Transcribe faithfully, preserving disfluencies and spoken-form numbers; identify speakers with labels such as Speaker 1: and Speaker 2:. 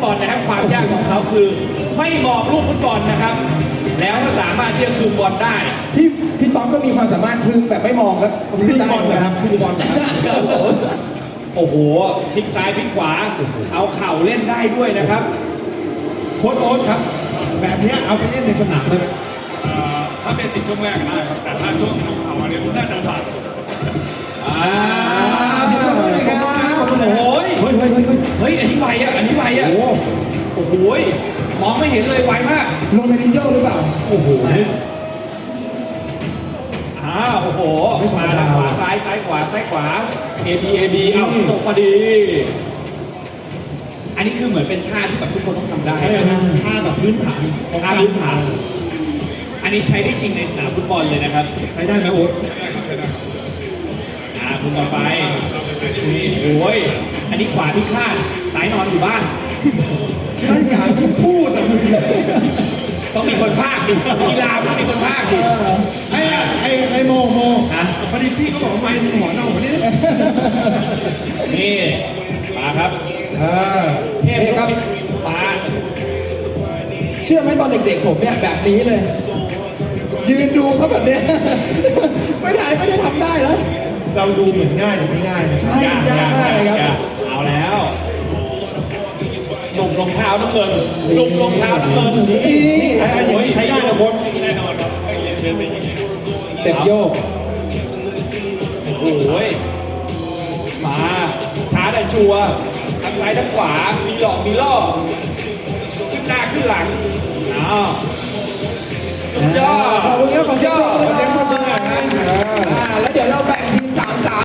Speaker 1: บอลนะครับความยากของเขาคือไม่มองลูกฟุตบอลนะครับแล้วก็สามารถที่จะคืนบอลได้
Speaker 2: พี่พี่ต๊อกก็มีความสามารถพึ่งแบบไม่มองครับ
Speaker 3: คือบอลนะครับคือบอลนะครับ
Speaker 1: โอ้โหพลิกซ้ายพลิกขวาเอาเข่าเล่นได้ด้วยนะครับ
Speaker 3: โค้ชโอ๊ตครับ แบบเนี้ยเอาไปเล่นในสนามได้ไหม
Speaker 4: เอ่อถ้าเป็นสิบช่วงแรกได้ครับ แต่ถ้าช่วงเอาเขาอันนี้น่าจะผ่าน
Speaker 1: อ่า
Speaker 2: ขอบคุณครับขอบคุณครับ
Speaker 1: โอ้ย
Speaker 3: เฮ้ยเฮ้ยเฮ้ยเฮ้ย
Speaker 1: เฮ้ยอันนี้ไวอ่ะอันนี้ไวอ่ะ
Speaker 3: โอ้
Speaker 1: โอ้โหมองไม่เห็นเลยไวมาก
Speaker 2: ลงในดินโยหรือเปล่า
Speaker 3: โอ้โห
Speaker 1: อ้าวโอ้โห
Speaker 3: ไม่ธรรม
Speaker 1: มา
Speaker 3: ดา
Speaker 1: ทางขวาซ้ายซ้ายขวาซ้ายขวา A B A B เอาสตกพอดี อันนี้คือเหมือนเป็นท่าที่แบบทุกคนต้องทำได้
Speaker 3: ใช่
Speaker 1: นะ
Speaker 3: ฮะท่าแบบพื้นฐานของ
Speaker 1: ท่าพื้นฐาน อันนี้ใช้ได้จริงในสนามฟุตบอลเลยนะครับ
Speaker 3: ใช้ได้ไหมโอ๊ต
Speaker 1: อ่าคุณต่อไปนี่โอ้ยอันนี้ขวาที่คาดซ้ายนอนอยู่บ้าน
Speaker 3: ถ้าอยากที่พูดอะมึง
Speaker 1: ต้องมีคนพากย์ดิกีฬาต้องมีคนพากย์ดิ
Speaker 3: ไอ้ไอ้ไอ้โมโม
Speaker 1: ฮะ
Speaker 3: พอดีพี่เขาบอกว่าไม่หัวเน่าหัวนี้
Speaker 1: นี่มาครับ
Speaker 3: อ่า
Speaker 1: เทพ
Speaker 2: นี่ครับ
Speaker 1: มา
Speaker 2: เชื่อไหมตอนเด็กๆผมเนี่ยแบบนี้เลย ยืนดูเขาแบบเนี้ย ไม่ได้ไม่ได้ทำได้แล้ว
Speaker 3: เราดูเหมือนง่ายแต่ไม่ง่ายนะ
Speaker 2: ใช่ยากมากเลยครับ
Speaker 1: ยากเอาแล้วหนุ่มรองเท้าน้ำเงินหนุ่มรองเท้าน้ำเงิน
Speaker 2: นี่
Speaker 3: ไอ้อันนี้ใช้ได้นะโค้ช
Speaker 4: แน่นอนครับไม่เรียนเรียนเป็นอย่างนี้
Speaker 2: สเต็ปโยก
Speaker 1: โอ้โหมาช้าแต่ชัวร์ทั้งซ้ายทั้งขวามีหลอกมีล่อขึ้นหน้าขึ้นหลังอ้าวสุดยอด
Speaker 2: ขอบคุณครับขอเสียงปรบมือ
Speaker 1: สุดยอด
Speaker 2: หน่อยอ่าแล้วเดี๋ยวเราไป